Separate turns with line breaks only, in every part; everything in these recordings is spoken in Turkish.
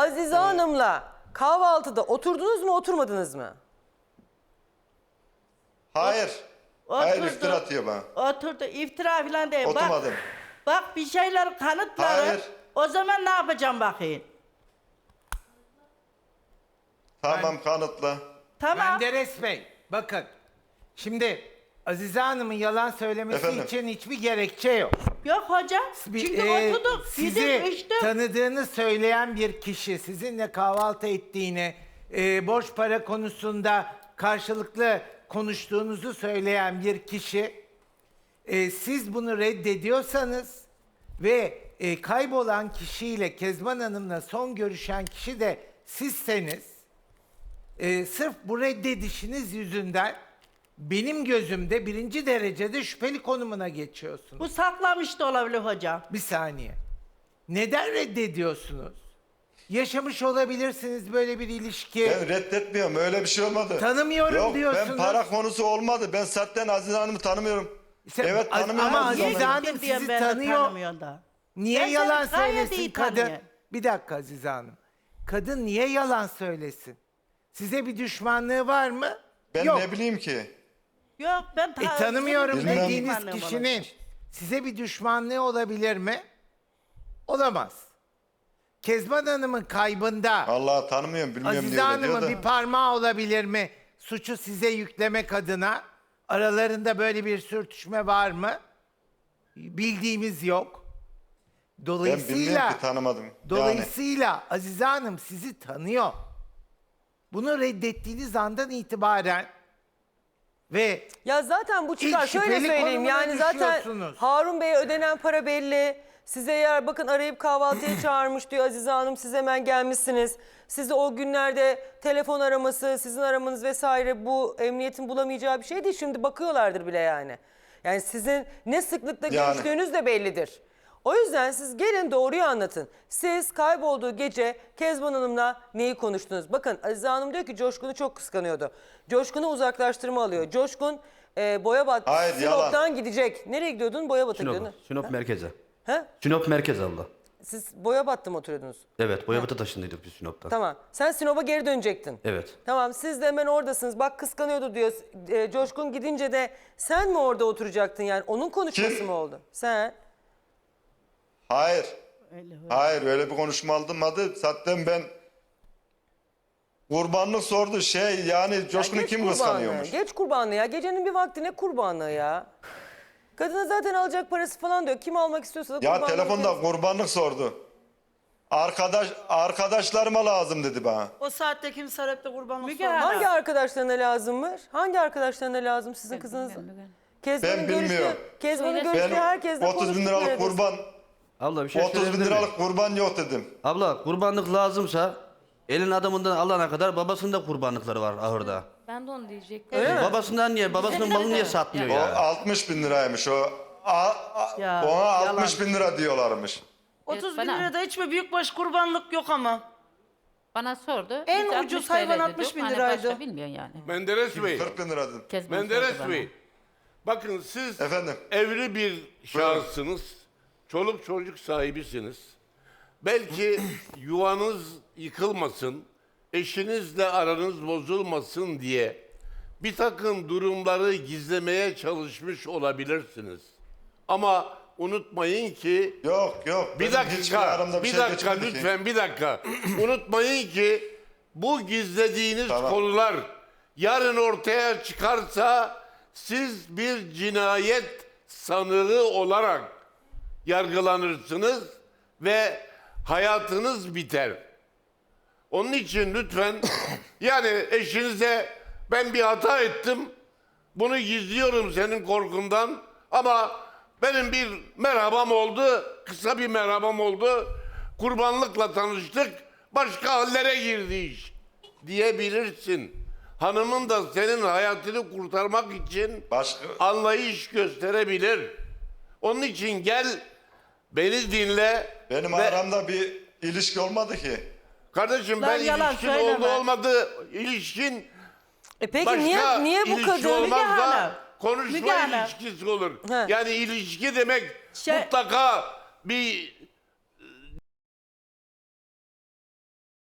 Azize Hanım'la kahvaltıda oturdunuz mu, oturmadınız mı?
Hayır. Hayır,
Oturdu.
iftira atıyor bana.
Oturdu. İftira falan değil.
Oturmadım.
Bak bir şeyler kanıtları.
Hayır.
O zaman ne yapacağım bakayım?
Tamam, kanıtla.
Tamam.
Menderes Bey, bakın. Şimdi Azize Hanım'ın yalan söylemesi
Efendim?
için hiçbir gerekçe yok.
Yok hocam. Çünkü oturduk.
Sizi
Yedim içtim.
tanıdığını söyleyen bir kişi, sizinle kahvaltı ettiğini, borç para konusunda karşılıklı konuştuğunuzu söyleyen bir kişi, siz bunu reddediyorsanız ve kaybolan kişiyle, Kezban Hanım'la son görüşen kişi de sizseniz, sırf bu reddedişiniz yüzünden benim gözümde birinci derecede şüpheli konumuna geçiyorsunuz.
Bu saklamış da olabilir hocam.
Bir saniye. Neden reddediyorsunuz? Yaşamış olabilirsiniz böyle bir ilişki.
Ben reddetmiyorum, öyle bir şey olmadı.
Tanımıyorum
Yok,
diyorsunuz.
ben para konusu olmadı. Ben zaten Azize Hanım'ı tanımıyorum. Evet, tanımıyorum.
ama
Azize
Azize
Hanım'ı.
Hanım
Diyen
sizi
ben de
tanıyor.
tanımıyorum da.
Niye
Ben
yalan
seni gayet
söylesin
iyi
kadın?
tanıyorum.
Bir dakika Azize Hanım. Kadın niye yalan söylesin? Size bir düşmanlığı var mı?
Ben
Yok.
ne bileyim ki?
Yok ben
Tanımıyorum
Bilmem.
dediğiniz kişinin size bir düşmanlığı olabilir mi? Olamaz. Kezban Hanım'ın kaybında
Allah tanımıyorum, bilmiyorum
Azize
diye öyle diyor
Hanım'ın
da.
bir parmağı olabilir mi? Suçu size yüklemek adına aralarında böyle bir sürtüşme var mı? Bildiğimiz yok.
Ben
Dolayısıyla
bilmiyorum ki, tanımadım.
Dolayısıyla Azize Hanım sizi tanıyor. Bunu reddettiğiniz andan itibaren ve
Ya zaten bu çıkar.
İlk
Şöyle
şüpheli
söyleyeyim,
konumuna
yani zaten
düşüyorsunuz.
Harun Bey'e ödenen para belli. Size eğer bakın arayıp kahvaltıya çağırmış diyor Azize Hanım, siz hemen gelmişsiniz. Sizi o günlerde telefon araması, sizin aramanız vesaire bu emniyetin bulamayacağı bir şey değil. Şimdi bakıyorlardır bile yani. Yani sizin ne sıklıkla
Yani.
görüştüğünüz de bellidir. O yüzden siz gelin doğruyu anlatın. Siz kaybolduğu gece Kezban Hanım'la neyi konuştunuz? Bakın Azize Hanım diyor ki Coşkun'u çok kıskanıyordu. Coşkun'u uzaklaştırma alıyor. Coşkun Boyabat,
Hayır,
Sinop'tan
yalan.
gidecek. Nereye gidiyordun? Boyabat'a
Sinop,
gidiyordun.
Sinop merkeze.
He?
Sinop merkez abla.
Siz Boyabat'ta mı oturuyordunuz?
Evet, Boyabat'a taşındıydık biz Sinop'tan.
Tamam. Sen Sinop'a geri dönecektin.
Evet.
Tamam, siz de hemen oradasınız. Bak kıskanıyordu diyor. Coşkun gidince de sen mi orada oturacaktın yani? Onun konuşması
Kim?
mı oldu? Sen.
Hayır. Hayır, öyle bir konuşma alınmadı. Zaten ben kurbanlık sordu yani Coşkun'u
Geç
kim
kurbanlığı,
kıskanıyormuş?
Geç kurbanlığı ya. Gecenin bir vakti ne kurbanlığı ya? Kadına zaten alacak parası falan diyor. Kim almak istiyorsa da
Ya
kurbanlığı
telefonda
kendisi-
kurbanlık sordu. Arkadaşlarıma lazım dedi bana.
O saatte kimse arayıp da kurbanlık
Müge
sormaz.
Hanım.
Hangi arkadaşlarına lazımmış? Hangi arkadaşlarına lazım sizin kızınız? Kezban'ın
Ben
görüştüğü,
bilmiyorum.
Kezban'ın
Söyle.
görüştüğü
Ben
herkesle
30 bin liralık
konuştuk
kurban,
Abla bir şey
30 bin
söyleyebilir miyim?
liralık kurban yok dedim.
Abla kurbanlık lazımsa elin adamından alana kadar babasının da kurbanlıkları var ahırda.
Ben de onu diyecektim.
Öyle mi?
Babasından niye? Babasının malını niye satmıyor
O
ya?
60 bin liraymış o.
Ya,
Ona
yalan.
60 bin lira diyorlarmış.
30 bin
bana-
lirada hiçbir büyükbaş kurbanlık yok ama.
Bana sordu.
En
Biz
ucuz
60
hayvan
TL
60
dedik.
bin
Hani
liraydı.
Başka bilmiyorsun yani.
Menderes Bey,
40 bin lira dedim.
Kezban
Menderes
sordu bana.
Bey. Bakın siz
Efendim?
evli bir şahıssınız. Çoluk çocuk sahibisiniz. Belki yuvanız yıkılmasın, eşinizle aranız bozulmasın diye bir takım durumları gizlemeye çalışmış olabilirsiniz. Ama unutmayın ki
Yok.
bir
benim hiçbir aramda
dakika, bir
şey
dakika
geçmedi ki.
lütfen bir dakika. Unutmayın ki bu gizlediğiniz
Tamam.
konular yarın ortaya çıkarsa siz bir cinayet sanığı olarak yargılanırsınız ve hayatınız biter. Onun için lütfen yani eşinize ben bir hata ettim, bunu gizliyorum senin korkundan ama benim bir merhabam oldu, kısa bir merhabam oldu, kurbanlıkla tanıştık, başka hallere girdi iş diyebilirsin. Hanımın da senin hayatını kurtarmak için
Başka-
anlayış gösterebilir. Onun için gel, beni dinle.
Benim
ve-
aramda bir ilişki olmadı ki.
Kardeşim
Lan
ben
yalan
ilişkin
söyleme.
oldu olmadı, ilişkin
Peki
başka
niye bu
ilişki
kadın?
Müge
olmazsa
Hanım,
konuşma
Müge Hanım.
ilişkisi olur.
He.
Yani ilişki demek
Şey-
mutlaka bir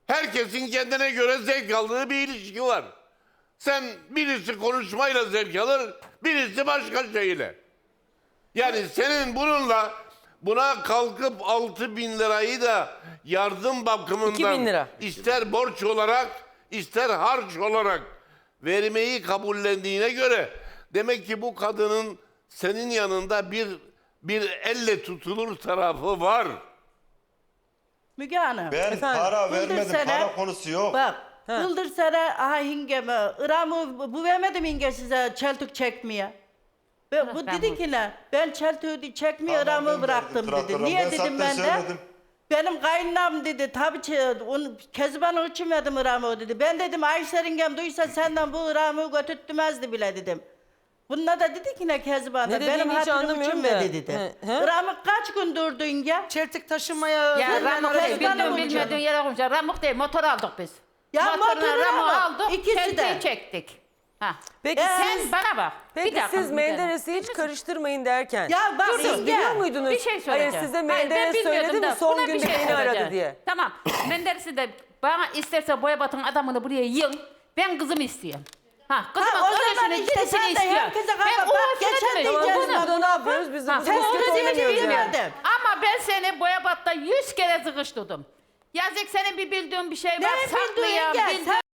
Herkesin kendine göre zevk aldığı bir ilişki var. Sen birisi konuşmayla zevk alır, birisi başka şeyle. Yani senin buna kalkıp 6.000 lirayı da yardım bakımından
2.000 lira.
ister borç olarak ister harç olarak vermeyi kabullendiğine göre demek ki bu kadının senin yanında bir elle tutulur tarafı var.
Müge Hanım.
Ben
Efendim?
para
Bıldır
vermedim.
sene-
Para konusu yok.
Bak. Bıldır sana aha hingeme. İramı bu vermedim hinge size çeltik çekmeye. Bu
ben
dedi
bu-
ki ne? Ben çeltiği çekmeye
Tamam,
İramı
ben
bıraktım
verdim
dedi.
traktörü.
Niye
Ben
dedim
zaten
ben de?
söyledim.
Benim kaynanam dedi. Tabii onu Kezban için verdim İramı dedi. Ben dedim Ayşe yengem duysa senden bu İramı götürtmezdi bile dedim. Bununla da dedi ki ne Kezban'a?
Ne dediğini
Benim
hiç
hatırım
anlamıyorum
için
da.
verdi dedi.
He, he?
İramı kaç gün durdun ya?
Çeltik taşımaya...
Ya Ramuk değil,
Kezban
bildiğin
olacak.
bilmediğin yere koyacak. Ramuk değil, motor aldık biz.
Ya
Motorla
motoru
Ramuk'u
aldık,
aldık,
ikisi de.
çeltiği çektik. Ha.
Peki
Sen
siz
bana bak.
Peki
bir dakika,
siz
Müge Hanım.
Menderes'i hiç karıştırmayın derken.
Ya bak
siz
yenge.
biliyor muydunuz?
Bir şey söyleyeceğim.
Hayır size
Hayır, ben
Menderes
bilmiyordum
söyledi mi
da
son
buna bir
günde
şey
beni aradı
söyleyeceğim.
diye.
Tamam. Menderes'i de bana isterse Boyabat'ın adamını buraya yığın. Ben kızımı istiyorum. Kızımın
Ha, o zaman
öylesini
işte
cirisini
sen de
istiyor.
herkese
Ben
kalkıp bak,
uğraşmadım
geçen
dedim.
diyeceğiz
Biz
Bunu-
burada ne yapıyoruz? Biz de
Ha,
burada
sen
basket
onu
oynamıyoruz
diyeceksin
yani.
dedim.
Ama ben seni Boyabat'ta 100 kere sıkıştırdım. Yazık senin bir bildiğin bir şey var.
Ne bildiğin
Saklayan,
gel,
bildiğin...
sen-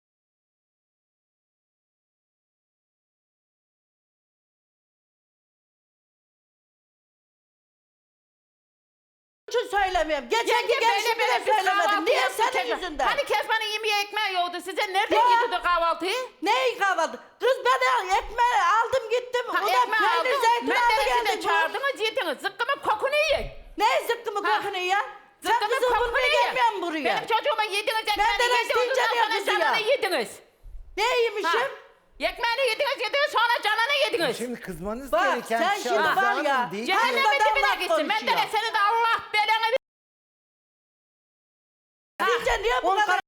için söylemiyorum. Geçen gün gelişimi de söylemedim. Niye senin yüzünden?
Hani Kezban'ın yemeği ekmeği yoktu. Size nereden
Ya.
yedirdi kahvaltıyı?
Neyi kahvaltı? Kız ben ekmeği aldım gittim.
Ha,
O da
ekmeği
peynir
aldım.
zeytin aldı
Menderes'i de
geldi.
çağırdınız yediniz. Zıkkımın kokunu yiyin.
Ne zıkkımı kokunu ya? Sen
Zıkkımın
kızı
kokunu
bulmaya
yiyin.
gelmiyorsun buraya.
Benim çocuğuma yediniz ekmeğini
Menderes
yediniz.
deyince
Ondan
ne
sonra
kızı ya?
canını yediniz.
Ne yemişim?
Ekmeğini yediniz sonra canını yediniz.
Şimdi kızmanız
Bak,
gereken
sen
şey
şimdi
Azize
var
Hanım
ya,
değil.
Cehennemin
Hastadan
dibine
laf
gitsin.
konuşuyor.
Menderes seni de Allah belanı
Deyince niye bu kadar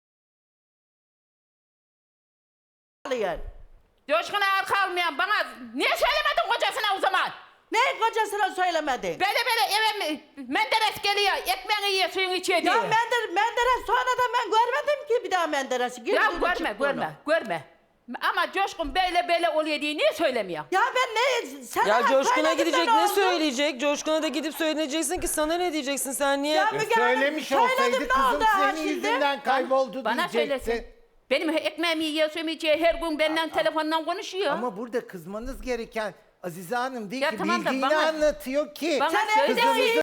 alıyorsun?
Coşkun'a arka almayan bana niye söylemedin kocasına o zaman?
Ne kocasına söylemedin?
Böyle eve Menderes geliyor, ekmeğini yiyor, suyunu içiyor diye.
Ya Menderes sonra da ben görmedim ki bir daha Menderes'i.
Ya
Girdiğini
görme,
çıktığını.
görme. Ama Coşkun böyle oluyor diye niye söylemiyor?
Ya ben ne? Sen
Ya
ona
Coşkun'a
söyledin de
gidecek
ne
ne
oldu?
söyleyecek? Coşkun'a da gidip söyleyeceksin ki sana ne diyeceksin sen niye?
Ya Müge Hanım,
Söylemiş
söyledim,
olsaydı
ne
kızım
oldu ha
senin
şimdi?
yüzünden kayboldu
Bana
diyecekti.
söylesin. Benim ekmeğimi yiyor, suyumu içiyor, her gün benden telefondan konuşuyor.
Ama burada kızmanız gereken Azize Hanım değil
Ya
ki
tamam da
bildiğini
bana-
anlatıyor ki.
Bana
Sen
söyle.
evde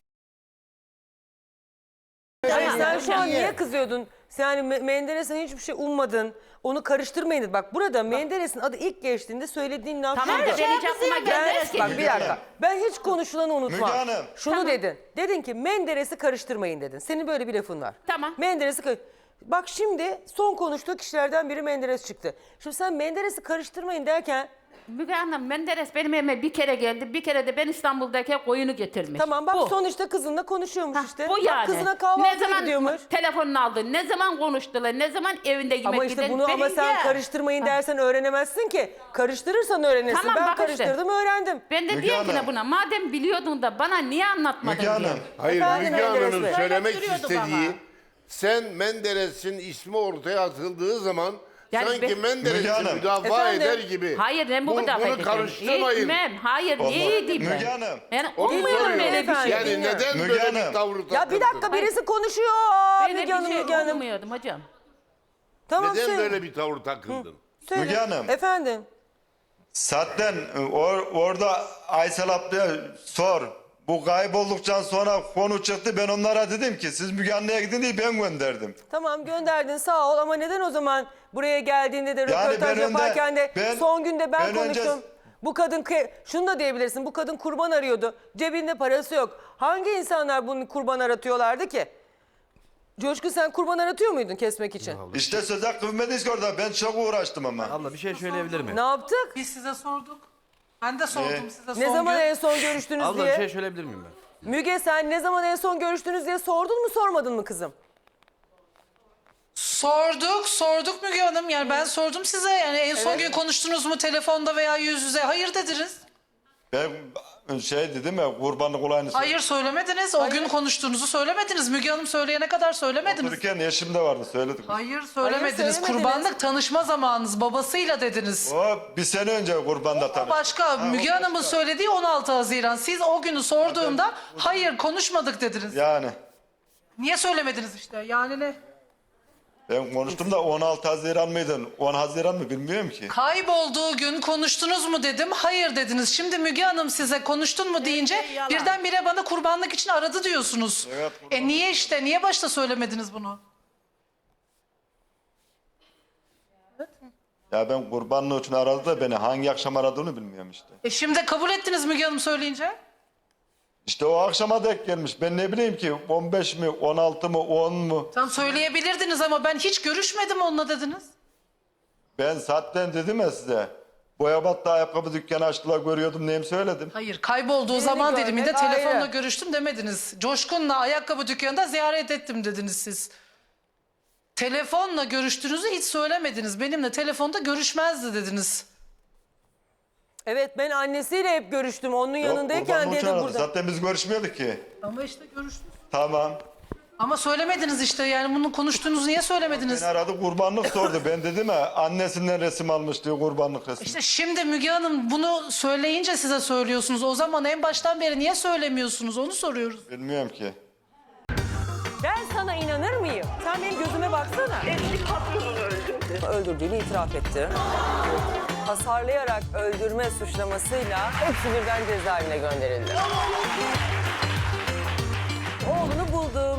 Hayır,
Tamam.
sen şu an
Niye?
niye kızıyordun? Sen yani Menderes'e hiçbir şey ummadın. Onu karıştırmayın dedi. Bak burada Menderes'in adı ilk geçtiğinde söylediğin laf
Tamam
şuydu.
da ben hiç
şey
aklıma
kızıyor
gelmez
Ben,
ki.
bak bir
Müge
dakika.
Hanım.
Ben hiç konuşulanı unutmam.
Müge Hanım.
Şunu dedin. Dedin ki Menderes'i karıştırmayın dedin. Senin böyle bir lafın var.
Tamam.
Bak şimdi son konuştuğu kişilerden biri Menderes çıktı. Şimdi sen Menderes'i karıştırmayın derken
Müge Hanım, Menderes benim evime bir kere geldi. Bir kere de ben İstanbul'dayken koyunu getirmiş.
tamam bak
Bu.
sonuçta kızınla konuşuyormuş
Hah,
işte.
bu
Bak
yani.
kızına
Ne
kahvaltıya
zaman
gidiyormuş.
telefonunu aldı, ne zaman konuştular, ne zaman evinde yemek
Ama işte
yedi.
bunu ama sen
Benimki.
karıştırmayın dersen öğrenemezsin ki. Karıştırırsan öğrenirsin.
Tamam,
Ben
bak işte.
karıştırdım öğrendim.
Ben de
Müge
diyorum ki ne
Hanım.
buna, madem biliyordun da bana niye anlatmadın
Müge
diye.
Hanım.
Hayır
Efendim
Müge
Menderes
Hanım'ın
Bey.
söylemek
Söyleyip
istediği
duruyorduk
sen Menderes'in ismi ortaya atıldığı zaman
Yani
sanki
ben-
Müge
Menderes'i
Hanım.
müdafaa
Efendim?
eder gibi.
Hayır ben bu müdafaa
Bunu
edeceğim.
karıştırmayın.
Etmem. Hayır
Allah.
niye edeyim ben?
Müge Hanım.
Yani
Onu
olmuyor
soruyorum.
böyle bir şey.
Yani neden
Müge
böyle
Hanım.
bir tavrı
Ya bir dakika
takıldın?
birisi konuşuyor. Aa,
Böyle
Müge Hanım,
bir şey
Müge Hanım.
olmuyordum hocam.
Tamam
Neden
söyle.
böyle bir tavır takıldın?
Söyle.
Müge Hanım.
Efendim.
Zaten orada Aysel ablaya sor. Bu kaybolduktan sonra konu çıktı. Ben onlara dedim ki siz Müge Anlı'ya gidin diye ben gönderdim.
Tamam gönderdin sağ ol ama neden o zaman buraya geldiğinde de
Yani
röportaj
ben önde-
yaparken de
ben-
son günde ben
ben önce-
konuştum. Bu kadın şunu da diyebilirsin. Bu kadın kurban arıyordu. Cebinde parası yok. Hangi insanlar bunu kurban aratıyorlardı ki? Coşku sen kurban aratıyor muydun kesmek için?
İşte söz hakkı vermediniz ki orada. Ben çok uğraştım ama.
Abla bir şey söyleyebilir miyim?
Ne yaptık?
Biz size sorduk. Ben de sordum size son
Ne zaman
gün.
en son görüştünüz
Abla bir
diye?
şey söyleyebilir miyim ben?
Müge sen ne zaman en son görüştünüz diye sordun mu sormadın mı kızım?
Sorduk Müge Hanım. Yani ben sordum size. Yani en son gün konuştunuz mu telefonda veya yüz yüze? Hayır dediniz.
Ben şey dedim ya kurbanlık olayını
Hayır söylemediniz. O gün konuştuğunuzu söylemediniz. Müge Hanım söyleyene kadar söylemediniz.
Otururken eşim de vardı söyledik.
Hayır söylemediniz.
söylemediniz.
Kurbanlık tanışma zamanınız babasıyla dediniz.
O bir sene önce kurbanda tanıştık.
Başka Müge Hanım'ın söylediği 16 Haziran. Siz o günü sorduğumda hayır konuşmadık dediniz.
Yani
Niye söylemediniz işte? Yani ne?
ben konuştum da 16 Haziran mıydı? 10 Haziran mı bilmiyorum ki.
Kaybolduğu gün konuştunuz mu dedim. Hayır dediniz. Şimdi Müge Hanım size konuştun mu deyince
yalan.
birdenbire bana kurbanlık için aradı diyorsunuz.
Evet,
Niye işte? Niye başta söylemediniz bunu?
Ya ben kurbanlık için aradı da beni hangi akşam aradığını bilmiyorum işte.
Şimdi kabul ettiniz Müge Hanım söyleyince.
İşte o akşama denk gelmiş. Ben ne bileyim ki 15 mi 16 mı 10 mu?
Tam söyleyebilirdiniz ama ben hiç görüşmedim onunla dediniz.
Ben zaten dedim ya size. Boyabat'ta ayakkabı dükkanı açtılar görüyordum neyim söyledim.
Hayır kaybolduğu
Beni
zaman
görmek
diliminde telefonla
ayrı.
görüştüm demediniz. Coşkun'la ayakkabı dükkanında ziyaret ettim dediniz siz. Telefonla görüştüğünüzü hiç söylemediniz. Benimle telefonda görüşmezdi dediniz.
Evet ben annesiyle hep görüştüm. Onun yanındayken
kurbanlık için
dedi
aradı.
burada.
Zaten biz görüşmüyorduk ki.
Ama işte görüştünüz.
Tamam.
Ama söylemediniz işte yani bunu konuştuğunuzu niye söylemediniz?
Beni aradı kurbanlık sordu. Ben dedim ya annesinden resim almış diyor kurbanlık resmi.
İşte şimdi Müge Hanım bunu söyleyince size söylüyorsunuz. O zaman en baştan beri niye söylemiyorsunuz onu soruyoruz.
Bilmiyorum ki.
Ben sana inanır mıyım? Sen benim gözüme baksana.
Eski patronunu öldürdü.
Öldürdüğünü itiraf etti. Hasarlayarak öldürme suçlamasıyla hepsi birden cezaevine gönderildi. Oğlunu buldum.